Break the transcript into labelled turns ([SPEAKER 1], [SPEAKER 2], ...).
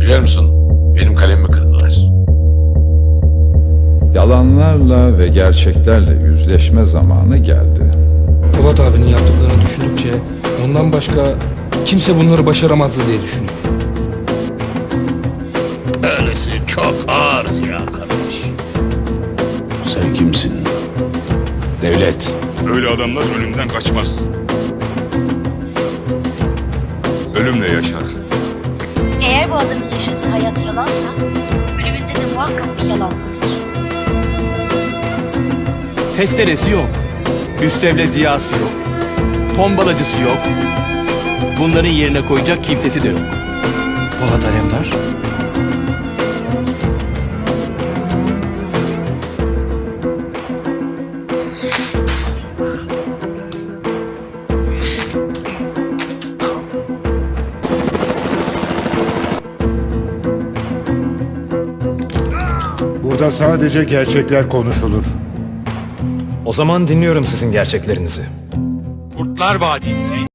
[SPEAKER 1] Biliyor musun? Benim kalemimi kırdılar.
[SPEAKER 2] Yalanlarla ve gerçeklerle yüzleşme zamanı geldi.
[SPEAKER 3] Polat abinin yaptıklarını düşündükçe ondan başka kimse bunları başaramazdı diye düşünüyorum.
[SPEAKER 4] Öylesi çok ağır Ziya kardeş.
[SPEAKER 5] Sen kimsin? Devlet.
[SPEAKER 6] Öyle adamlar ölümden kaçmaz. Ölümle yaşar.
[SPEAKER 7] Eğer bu adamın yaşadığı hayat yalansa, ölümünde de muhakkak bir yalan vardır.
[SPEAKER 8] Testeresi yok. Hüsrev'le Ziya'sı yok. Tombalacısı yok. Bunların yerine koyacak kimsesi de yok.
[SPEAKER 5] Polat Alemdar.
[SPEAKER 9] Burada sadece gerçekler konuşulur.
[SPEAKER 10] O zaman dinliyorum sizin gerçeklerinizi.
[SPEAKER 6] Kurtlar Vadisi